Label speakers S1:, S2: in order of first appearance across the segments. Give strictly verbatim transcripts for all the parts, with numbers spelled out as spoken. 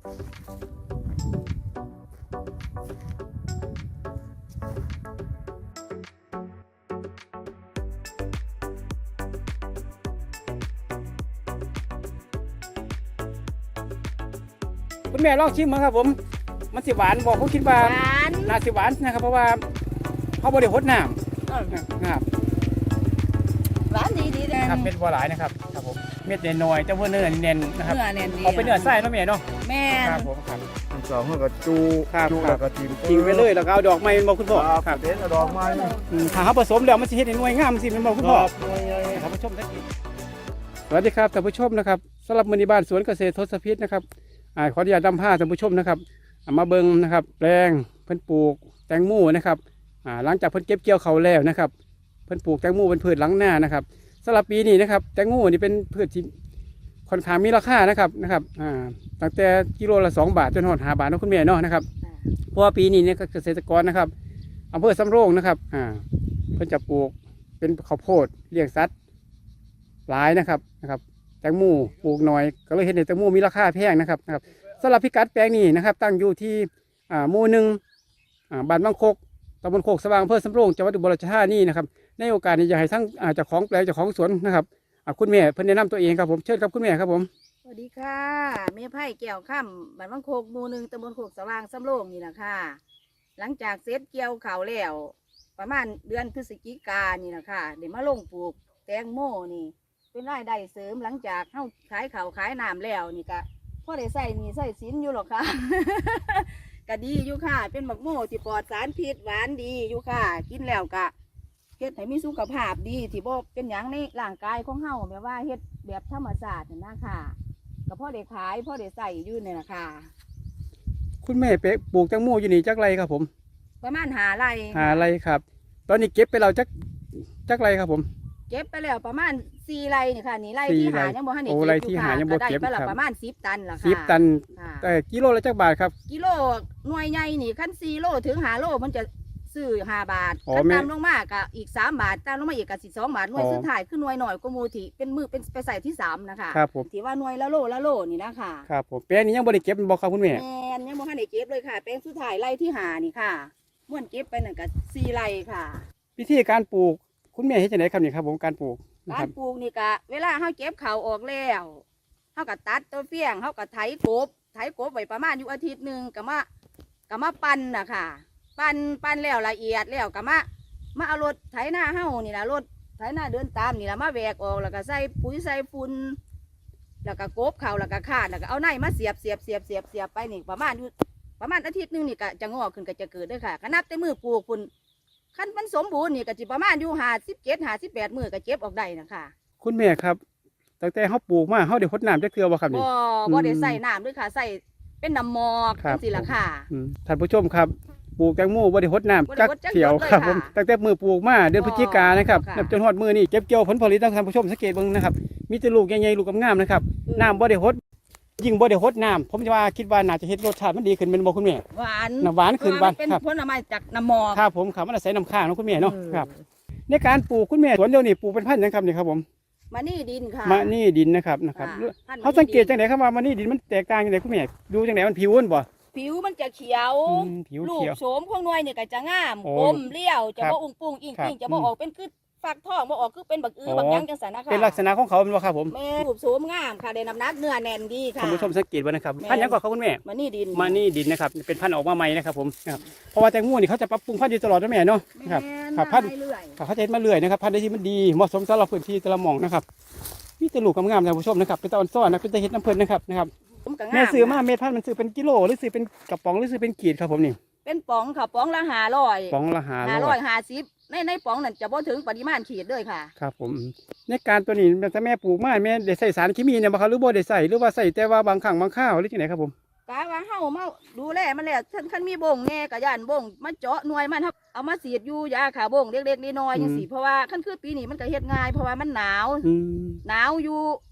S1: คุณแม่ลองชิมมั้งครับผมมันสิหวานบอกผมคิดว่าน่าสิหวานนะครับเพราะว่าเขาบริโภคน้ำนะครับ
S2: หวานดีดีเลย
S1: ครับเม็ดบัวหลายนะครับครับผมเม็ดน้อยแต่ว่าเนื้อเน้นนะครับ
S2: เนื้อเน้นดี
S1: เอาเป็นเนื้อไส้เนาะแม่เนาะ
S2: แม่
S1: ครับผมครับ
S3: สองก็จูจูแล้วก็ทิม
S1: ทิ้งไปเลยแล้วก็เอาดอกไม้มาคุณพ่อ
S3: ครับเด็ดดอกไม้
S1: ถ้าเขาผสมแล้วมันจะเห็นหน่วยงามสิเป็นบอกคุณพ่อท่านผู้ชมท่านสวัสดีครับท่านผู้ชมนะครับสำหรับมือนีบ้านสวนเกษตรทศพิษนะครับขออนุญาตนำผ้าท่านผู้ชมนะครับมาเบิ้งนะครับแปลงเพิ่นปลูกแตงโมนะครับหลังจากเพิ่นเก็บเกี่ยวเขาแล้วนะครับเพิ่นปลูกแตงโมเป็นพืชหลังหน้านะครับสำหรับปีนี้นะครับแตงโมนี่เป็นพืชที่ค่อนข้างมีราคานะครับนะครับตั้งแต่กิโลละสองบาทจนหอดห้าบาทนะคุณแม่เนาะนะครับเพราะว่าปีนี้เนี่ยเกษตรกรนะครับอำเภอสำโรงนะครับเพิ่นจะปลูกเป็นข้าวโพดเลี้ยงสัตว์หลายนะครับนะครับแตงโมปลูกน้อยก็เลยเห็นในแตงโมมีราคาแพงนะครับนะครับสำหรับพิกัดแปลงนี้นะครับตั้งอยู่ที่หมู่หนึ่งบ้านบางโคกตำบลโคกสว่างอำเภอสำโรงจังหวัดอุบลราชธานีนะครับในโอกาสนี้อยากให้ทั้งเจ้าของแปลงเจ้าของสวนนะครับคุณแม่เพิ่นแนะนำตัวเองครับผมเชิญครับคุณแม่ครับผม
S2: สวัสดีค่ะแม่ไผ่แก้วค่ำบ้านบางโคกหมู่หนึ่งตำบลโคกสว่างสำโรงนี่แหละค่ะหลังจากเสร็จเกี่ยวเขาแล้วประมาณเดือนพฤศจิกายนนี่แหละค่ะเดี๋ยวมาลงปลูกแตงโมนี่เป็นรายได้เสริมหลังจากเข้าขายเขาขายน้ำแล้วนี่ก็พ่อได้ใส่นี่ใส่สินอยู่หรอกค่ะ ก็ดีอยู่ค่ะเป็นหมักโมที่ปลอดสารพิษหวานดีอยู่ค่ะกินแล้วก็เฮ็ดให้มีสุขภาพดีที่บ่เป็นอย่างในร่างกายของเฮาแบบว่าเฮ็ดแบบธรรมชาตินี่นะค่ะก็พ่อได้ขายพ่อได้ใส่อยู่นี่แหละค่ะ
S1: คุณแม่เป๊ะปลูกแตงโมอยู่นี่จักไรครับผม
S2: ประมาณหาไร่
S1: หาไรครับตอนนี้เก็บไปเราจักจักไรครับผม
S2: เก็บไปแล้วประมาณสี่ไร่นี่ค่ะนี่ไร่ที่หายังบ่ทันได้เก็บอยู่ค่ะก็ได้ไปแล้วประมาณสิบตันล่ะค่ะ
S1: สิบตันแต่กิโลละจักบาทครับ
S2: กิโลหน่วยใหญ่นี่คันสี่โลถึงห้าโลมันจะซื้อห้าบาทคันตามลงมาก็อีกสามบาทตามลงมาอีกก็สิบสองบาทหน่วยสุดท้ายคือหน่วยหน่อยก็มูที่เป็นมือเป็นไปใส่ที่สามนะคะ
S1: ครับผม
S2: ที่ว่าหน่วยละโลละโลนี่นะค่ะ
S1: ครับผมแปลงนี้ยังบ่ได้เก็บบ่ครับคุณแม่
S2: แม่ยังบ่ทันได้เก็บเลยค่ะแปลงสุดท้ายไร่ที่ห้านี่ค่ะม่วนเก็บไปนั่นก็สี่ไร่ค่ะ
S1: วิธีการปลูกคุณแม่เฮ็ดจังได๋ครับนี่ครับผมการปลูก
S2: การปลูกนี่ก็เวลาเฮาเก็บเขาออกแล้วเฮาก็ตัดตัวเฟี้ยงเฮาก็ไถกบไถกบไว้ประมาณอยู่อาทิตย์นึงก็มาก็มาปั่นน่ะค่ะปั่นปั่นแล้วละเอียดแล้วก็มามาเอารถไถนาเฮานี่ล่ะรถไถนาเดินตามนี่ล่ะมาแวกออกแล้วก็ใส่ปุ๋ยใส่ฝุ่นแล้วก็กบเขาแล้วก็คาดแล้วก็เอาไนมาเสียบเสียบเสียบเสียบเสียบไปนี่ประมาณอยู่ประมาณอาทิตย์นึงนี่ก็จะงอกขึ้นก็จะเกิดด้วยค่ะก็นับแต่มือปลูกฝุ่นขั้นมันสมบูรณ์นี่ก็จะประมาณอยู่ห้าสิบเจ็ดห้าสิบแปดมือก็เก็บออกได้นะคะ
S1: คุณแม่ครับตั้งแต่เขาปลูกมาเขาได้รดน้ำจักเทื่อบ่ครับนี่
S2: บ่บ่ได้ใส่น้ำด้วยค่ะใส่เป็นน้ำหมอกจังซี่ล่ะค่ะ
S1: ท่านผู้ชมครับปลูกแตงโมบ่ได้รดน้ำจักเที่ยวครับผมตั้งแต่มือปลูกมาเดือนพฤศจิกายนนะครับจนฮอดมือนี่เก็บเกี่ยวผลผลิตท่านผู้ชมสังเกตเบิ่งนะครับมีแต่ลูกใหญ่ๆลูกงามๆนะครับน้ำบ่ได้รดยิ่งบ่ได้รดน้ำผมจะว่าคิดว่าน่าจะเฮ็ดรสชาติมันดีขึ้นเป็นบ่คุณแม่
S2: หวาน
S1: น้ำหวานขึ้นบ้าน
S2: เป็นผลไม้จากน้ำหมอก
S1: ครับผมครับมันอาศัยน้ำค้างเนาะคุณแม่เนาะครับในการปลูกคุณแม่สวนเดียวนี่ปลูกเป็นพันธุ์ยังครับนี่ครับผม
S2: มานี่ดินค่ะ
S1: มานี่ดินนะครับนะครับเขาสังเกตจังไหนครับว่ามานี่ดินมันแตกต่างจังไหนคุณแม่ดูจังไหนมันผิวบ่
S2: ผิวมันจะเขียวลูกโสมของหน่วยนี่ก็จะงามกลมเลี้ยวจะบ่อุ้งปุ้งอิงปิงจะบ่ออกเป็นคือฝักทองบ่ออกคือเป็นบักอือบักยังจังซั่นนะคะ
S1: เป็นลักษณะของเขาเป็นบ่ครับผม
S2: แม่รูปโสมงามค่ะได้น้ำหนักเนื้อแน่นดีค่ะ
S1: ท่านผู้ชมสังเกตไว้นะครับพันธุ์ยังก่อนครับคุณแม่
S2: มานี่ดิน
S1: มานี่ดินนะครับเป็นพันธุ์ออกมาใหม่นะครับผมครับเพราะว่าแตงโมนี่เขาจะปรับปรุงพันธุ์อยู่ตลอดนะแม่เนาะครับครับพันธุ์เขาจะเห็นมาเรื่อยนะครับพันธุ์ที่มันดีเหมาะสมสำหรับพื้นที่แต่ละหม่องนะครับมีแต่ลูกงามๆท่านผู้ชมนะครับเป็นตะวันซ้อนนะเป็นตะเห็ดน้ำเพลินนะครับนะครับแม่ซื้อมาเม็ดพันธุ์มันซื้อเป็นกิโลหรือซื้อเป็นกระป๋องหรือซื้อเป็นขีดครับผมนี่
S2: เป็นป๋องค่ะป๋องละห้าร้อย
S1: ป๋องละห้า
S2: ร้อยห้าสิบในในป๋องนั่นจะบ่ถึงปริมาณขีดเลยค่ะ
S1: ครับผมในการตัวนี้ถ้าแม่ปลูกมาแม่ได้ใส่สารเคมีเนี่ยบ่ครับหรือบ่ได้ใส่หรือว่าใส่แต่ว่าบางครั้งบางข้าวหรือจังไดครับผม
S2: กะว่าเฮามาดูแลมันแล้วคันคันมีบ่งแน่กะย่านบ่งมาเจาะหน่วยมันเอามาฉีดอยู่ยาขาบ่งเล็กๆน้อยๆจังซี่เพราะว่าคันคือปีนี้มันก็เฮ็ดง่ายเพราะว่ามันหนาวหนาวอยู่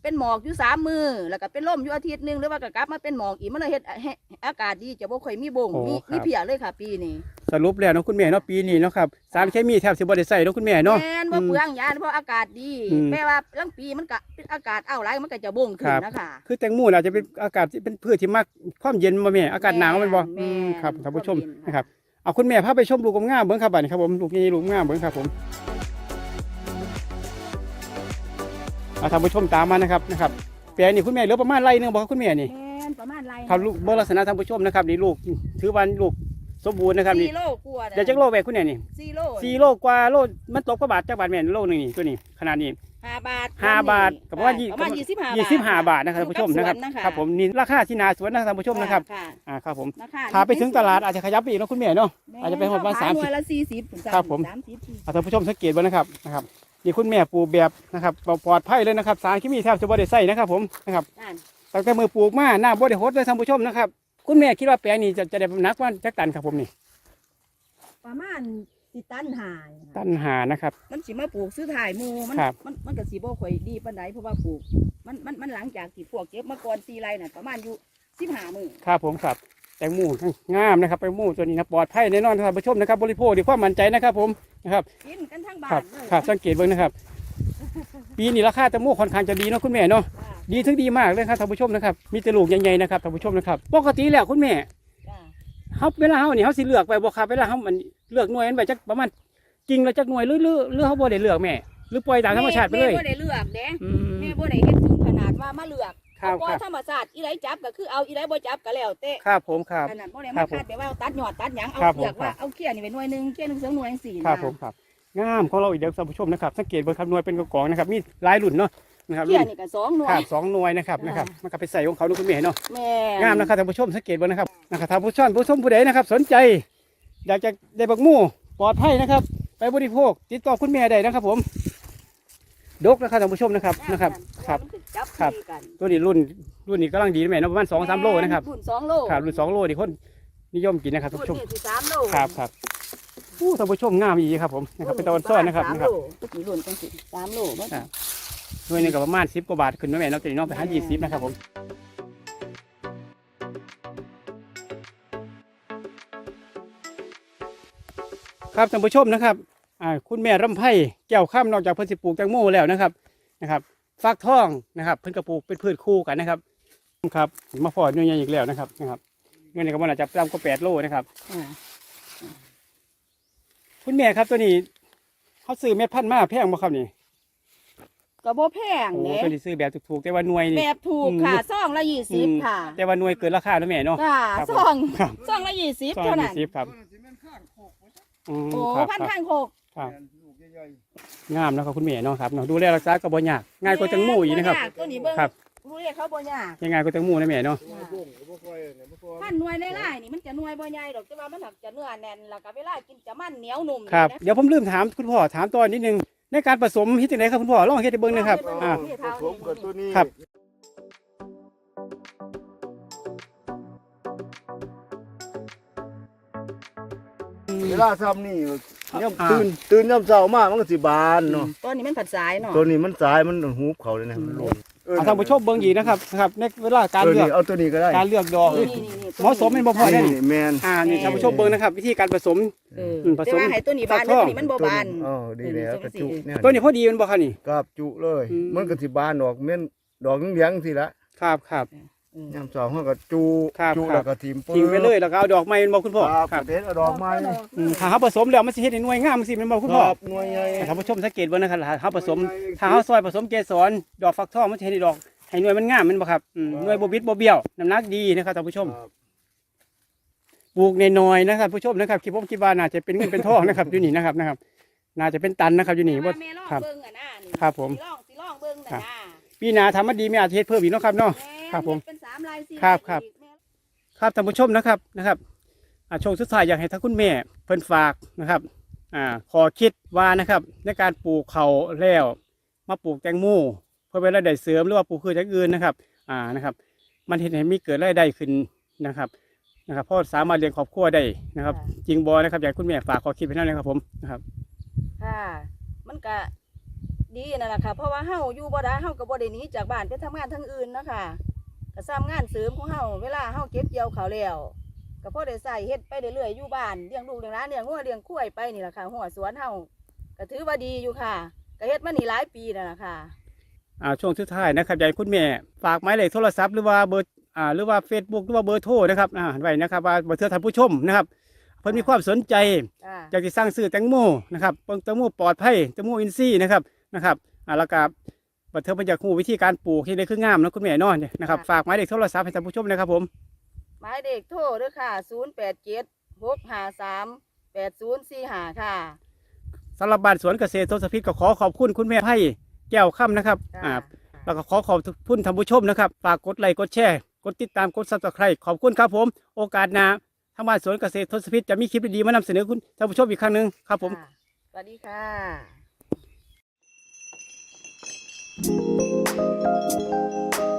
S2: เป็นหมอกอยู่สามมือแล้วก็เป็นลมอยู่อาทิตย์หนึงหรือว่าก็กลับมาเป็นหมอกอีกมันเลยเฮ็ดให้อากาศดีจะบ่ค่อยมีบงมีมีเพียเลยค่ะปีนี้
S1: สรุปแล้วเนาะคุณแม่เนาะปีนี้เนาะครับสารเคมีแทบสิบ่ได้ใส่เนาะคุณแม่เนาะ
S2: แม่นบ่เปลืองยาเพราะอากาศดี
S1: อืม
S2: แม้ว่าลางปีมันก็อากาศอ้าวหลายมันก็จะบงขึ้นนะคะ
S1: คือแตงโมอาจจะเป็นอากาศที่เป็นพืชที่มักความเย็นบ่แม่อากาศหนาวแมันบ่
S2: แม่น
S1: อืมครับท่านผู้ชม
S2: ความเย็น
S1: นะครับเอาคุณแม่พาไปชมลูกงามๆเบิ่งครับบัดนี้ครับผมลูกนี้ลูกงามเบิ่งครับผมเอาท่านผู้ชมตามมานะครับนะครับแปลงนี่คุณแม่เหลือประมาณไร่หนึงบ่ครับคุณแม่นี่
S2: แม่นประมาณไร
S1: ครับลูกเบิ่งลักษณะท่านผู้ชมนะครับนี่ลูกถือว่าลูกสมบูรณ์นะครับนี่
S2: สี่โลกว่า
S1: เดี๋ยวจักโลแม่คุณแม่นี่
S2: สี่โล
S1: สี่โลกว่าโลมันตกกว่าบาทจักบาทแม่โลนึงนี่ตัวนี้ขนาดนี้
S2: ห้าบาท
S1: ห้าบาทกับประมาณยี่
S2: ประมาณยี่สิบห้า
S1: ยี่สิบห้าบาทนะครับท่านผู้ชมนะครับ
S2: กับสวนนะคะ
S1: ครับผมนี่ราคาที่นาสวนนะครับท่านผู้ชมนะครับ
S2: ค่ะ
S1: อ่าครับผม
S2: ราคา
S1: ถ้าไปถึงตลาดอาจจะขยับไปอีกเนาะคุณแม่เนาะ อาจจะเป็นประมาณ
S2: ขย
S1: สาม
S2: ห
S1: สิ
S2: น่
S1: บ
S2: วยละสี่สิบ
S1: ครับผม
S2: สามสิบสี่สิบ
S1: อ่าท่านผู้ชมสังเกตไว้นะครับนะครับนี่คุณแม่ปลูกแบบนะครับปลอดภัยเลยนะครับสารเคมีแทบจะบ่ได้ใส่นะครับผมนะครับ
S2: นั่น
S1: ตั้งแต่มือปลูกมาหน้าบ่ได้หดเลยท่านผู้ชมนะครับคุณแม่คิดว่าแปลงนี้จะจะได้นักว่าจักตันครับผมนี่
S2: ประมาณสิตันหาย
S1: ตันหานะครับ
S2: มันสิมาปลูกซื้อถ่ายหมูมัน
S1: ครับ
S2: มันมันก็สิบ่ค่อยดีปานใดเพราะว่าปลูกมันมันมันหลังจากที่พวกเก็บมาก่อนสี่ไร่น่ะประมาณอยู่สิบห้ามื้อ
S1: ครับผมครับแตงโมงามนะครับแตงโมตัวนี้นะปลอดภัยแน่นอนท่านผู้ชมนะครับบริโภคด้วยความมั่นใจนะครับผมนะครับ
S2: กินกันทั้งบ้า
S1: ครับ
S2: นเลย
S1: ครับสังเกตเบิ่งนะครับ ปีนี้ราคาแตงโมค่อนข้างจะดีเนาะคุณแม่เนาะ
S2: จ้า
S1: ดีถึงดีมากเลยครับท่านผู้ชมนะครับมีแต่ลูกใหญ่ๆนะครับท่านผู้ชมนะครับปกติแล้วคุณแม่
S2: จ้า
S1: เฮาเวลาเฮานี่เฮาสิเลือกไปบ่ครับเวลาเฮามันเลือกหน่วยมันไปจักประมาณกิ่งละจักหน่วยหรือหรือหรือเฮาบ่ได้เลือกแม่หรือปล่อยตามธรรมชาติไปเลย
S2: แม่บ่ได้เลือกเด้
S1: อืม
S2: แม่บ่ได้เฮ็ดถึงขนาดว่ามาเลือก
S1: ครับ
S2: เอาปล่อ
S1: ครั
S2: ย
S1: บ
S2: ธรรมชาติอีไรจับก็คือเอาอีไรบ่จับก็แล้วแต่
S1: ครับผมครับ
S2: อันนั้นบ่ได้
S1: ครั
S2: มา
S1: บผม
S2: คาดแต่ว่าตัดยอดตัดหยังเอา
S1: ครับผม
S2: เลือกว่า
S1: ครับ
S2: เอาเขี้ยนี่ไปหน่วยหนึงเขี้ยหนึงสองหน่วยจังซี่
S1: ครับ
S2: นะ
S1: ผมครับงามของเราอีกเด้อท่านผู้ชมนะครับสังเกตเบิ่งครับหน่วยเป็นกองๆนะครับมีหลายรุ่นเนาะนะครับ
S2: เขี้
S1: รุ่
S2: ย
S1: น
S2: นี่ก็สองหน่ว
S1: ครั
S2: ย
S1: บสองหน่วยนะครับ
S2: อ่าน
S1: นะครับมันก็ไปใส่ของเขาดูคุณแม่เนาะ
S2: แม่
S1: งามนะครับท่านผู้ชมสังเกตเบิ่งนะครับนะครับท่านผู้ชมผู้ชมผู้ใดนะครับ สนใจ อยากจะได้บักหมู่ปลอดภัยนะครับ ไปบริโภคติดต่อคุณแม่ได้นะครับ ผมดกนะครับท่านผู้ชมนะครับนะครับครับ
S2: มันคือจับ
S1: ครับ
S2: ตีกัน
S1: ตัวนี้รุ่นรุ่นนี้กำลังดีนะแม่เนาะประมาณสองสามโลนะครับ
S2: รุ่นสองโล
S1: ครับรุ่นสองโลนี่คนนิยมกินนะครับท่านผู้ชม
S2: รุ่นนี่สิสามโล
S1: ครับครับผู้ท่านผู้ชมงามอีกครับผมนะครับเป็นตะวันซ้อนนะครับ
S2: สาม
S1: นะครับ
S2: โลนี่รุ่นจังสิสามโลบ่
S1: อ่า หน่วยหนึงก็ประมาณสิบกว่าบาทขึ้นนะแม่เนาะตัวนี้เนาะไปหายี่สิบนะครับผมครับท่านผู้ชมนะครับอ่าคุณแม่รำไพแก้วข้ามนอกจากเพิ่นสิปลูกแตงโมแล้วนะครับนะครับฟักทองนะครับเพิ่นก็ปลูกเป็นพืชคู่กันนะครับครับมาพอดหน่วยใหญ่อีกแล้วนะครับนะครับเงินในกระบอกอาจจะต่ำกว่าแปดโลนะครับ
S2: อ่า
S1: คุณแม่ครับตัวนี้เขาซื้อเม็ดพันธุ์มาแพงบ่ครับนี่
S2: ก็บ่แพง
S1: โอ้
S2: เด้
S1: ตัวนี้ซื้อแบบถูกๆแต่ว่าหน่วย
S2: แบ
S1: นี่
S2: บถูกค่ะซองละยี่สิบค่ะ
S1: แต่ว่าหน่วยเกินราคาแล้วแม่เนาะ
S2: ค่ะ
S1: ครับ
S2: ซอง
S1: ครับ
S2: ซองละยี่สิบ
S1: สอง
S2: เท่า
S1: ยี่
S2: นั้น
S1: สิบครับอืม
S2: โอ้
S1: ครับ
S2: พัน
S1: ครับ
S2: ข้างโคก
S1: ครับ
S3: ลูกใหญ่
S1: งามนะครับคุณแม่เนาะครับเนาะดูแลรักษาก็บ่ยากง่ายกว่าแตงโมอีกนะครับ
S2: บ่ยากตัวนี้เบิ่ง
S1: ครับ
S2: รู้เรียกเขาบ่ยาก
S1: ยังไงกว่าแตงโมนะแม่เนาะ
S3: ๆตัวบุ้งก็บ่ค่อยเนี่ยบ่ค่อย
S2: พันหน่วยในไร่นี่มันจะหน่วยบ่ใหญ่ดอกแต่ว่ามันหักจะเนื้อแน่นแล้วก็เวลากินจะมันเหนียวนุ่ม
S1: ครับ
S2: นะ
S1: เดี๋ยวผมลืมถามคุณพ่อถามตอนนิดนึงในการผสมเฮ็ดจังไดครับคุณพ่อลองเฮ็ดให้เบิ่งหนะครับอ่า
S3: ผสมกับตัวนี้
S1: ครับ
S3: เวลาซ้ำนี่ย่ำตื่นตื่นย่ำเช้ามามันก็สิบานเนาะ
S2: ตัวนี้มันผัดสายเนาะ
S3: ตัวนี้มันสายมันหูบเขาเลยนะมันหล่น
S1: เอาท่านผู้ชมเบิ่งอีกนะครับนะครับในเวลาการ
S3: เออ
S1: เลือ
S3: นี่
S1: ก
S3: เอาตัวนี้ก็ได้
S1: การเลือกดอก
S2: นี่นี่นี่
S1: เหมาะสมเป็นบ่พอได้
S3: นี่
S1: นี่
S3: แมน
S1: อ่านี่ท่านผู้ชมเบิ่งนะครับ วิธีการผสม
S2: เออ
S1: อืมผสม
S2: แต่ว่าให้ตัวนี้บาน
S1: ฟักท
S2: ตั
S1: อ
S2: ว
S1: ง
S2: นี้มันบ่บาน
S3: อ๋อดีแล้วกระจุเนี่ย
S1: ตัวนี้พอดีมันบ่ครับนี่
S3: กับจุเลย
S1: อืม
S3: มันก็สิบานดอกเม่นดอกเหลืองๆสิละ
S1: ครับครับ
S2: เออย่
S3: ำเช้าเขาก็จุ
S1: ครับ
S3: จุ
S1: ครับ
S3: แล้วก็ทิม
S1: ทิ้งไปเลยแล้วก็เอาดอกไม้มันบ่คุณพ่อ
S3: ครับ
S1: ครับ
S3: เด็ดเอาดอกไม้
S1: อืมถ้าเขาผสมแล้วมันสิเฮ็ดให้หน่วยงามสิแมันบ่คุณพ่อ
S3: ครับหน่วยใหญ่
S1: ท่านผู้ชมสังเกตเบิ่งนะครับถ้าเขาผสมถ้าเขาซอยผสมเกสรดอกฟักทองมันจะให้ดอกให้หน่วยมันงามแมันบ่ครับอืมหน่วยบ่บิดบ่เบี้ยวน้ำหนักดีนะครับท่านผู้ชม
S3: ครับ
S1: ปลูกน้อยๆนะครับผู้ชมนะครับคิดผมคิดว่าน่าจะเป็นเงินเป็นทองนะครับอยู่นี่นะครับนะครับ น่าจะเป็นตันนะครับอยู่นี่
S2: แต่
S1: บ่
S2: ว่าแม่ลอง
S1: ครับ
S2: เบิ่งอ่ะนะนี่
S1: ครับผม
S2: สิลองสิลองเบิ่ง
S1: ครั
S2: น่ะ
S1: บ
S2: นะ
S1: ปีหน้าทำมาดีไม่อาจจะเฮ็ดเพิ่มอีกเนาะครับเนาะ
S2: แม่
S1: ครับผม
S2: เป็นสามลายสี่
S1: ครับ
S2: ลาย
S1: ครับ
S2: อีกแม่
S1: ครับท่านผู้ชมนะครับนะครับอ่าช่วงสุดท้ายอยากให้ท่านคุณแม่เพิ่นฝากนะครับอ่าขอคิดว่านะครับในการปลูกเขาวแล้วมาปลูกแตงโมเพื่อเป็นรายได้เสริมหรือว่าปลูกพืชอย่างอื่นนะครับอ่านะครับ มันเห็นให้มีเกิดรายได้ขึ้นนะครับนะครับเพราะสามารถเลี้ยงครอบครัวได้นะครับ จริงบอนะครับอยากให้คุณแม่ฝากขอคิดไปนั่นเลยครับผมนะครับ
S2: ค่ะ มันก็ดีนั่นแหละค่ะเพราะว่าเฮาอยู่บ่ได้เฮาก็บ่ได้หนีจากบ้านไปทำงานทางอื่นเนาะค่ะก็ซ้ำงานเสริมของเฮาเวลาเฮาเก็บเกี่ยวข้าวแล้วก็พอได้ใส่เฮ็ดไปเรื่อยๆอยู่บ้านเลี้ยงลูกเลี้ยงหลานเลี้ยงงัวเลี้ยงควายไปนี่แหละค่ะหัวสวนเฮาก็ถือว่าดีอยู่ค่ะก็เฮ็ดมานี่หลายปีแล้วล่ะค่ะ
S1: อ่าช่วงสุดท้ายนะครับอยากให้คุณแม่ฝากหมายเลขโทรศัพท์หรือว่าเบอร์อ่าหรือว่า Facebook หรือว่าเบอร์โทรนะครับอ่าไว้นะครับว่าบ่เทื่อท่านผู้ชมนะครับเพิ่นมีความสนใจ
S2: จ้า
S1: อยากจะสร้างซื้อแตงโมนะครับเพิ่งแตงโมปลอดภัยแตงโมอินทรีย์นะครับนะครับอ่าแล้วก็บัดเทิงเพิ่นอยากรู้วิธีการปลูกที่ได้คืองามนะคุณแม่เนาะเนี่ยนะครับฝากหมายเลขโทรศัพท์ให้ท่านผู้ชมนะครับผม
S2: หมายเด็กโทรเด้อค่ะศูนย์ แปด เจ็ด หก ห้า สาม แปด ศูนย์ สี่ ห้าค่ะ
S1: สำหรับบ้านสวนเกษตรทศพิษก็ขอขอบคุณคุณแม่ไพ่แก้วค่ำนะครับ
S2: จ้า
S1: อ่าแล้วก็ขอขอบคุณท่านผู้ชมนะครับฝากกดไลค์กดแชร์กดติดตามกดซับสไครต์ขอบคุณครับผมโอกาสหน้าทางบ้านสวนเกษตรทศพิษจะมีคลิปดีๆมานำเสนอคุณท่านผู้ชมอีกครั้งหนึ่งครับผม
S2: ค่ะสวัสดีค่ะ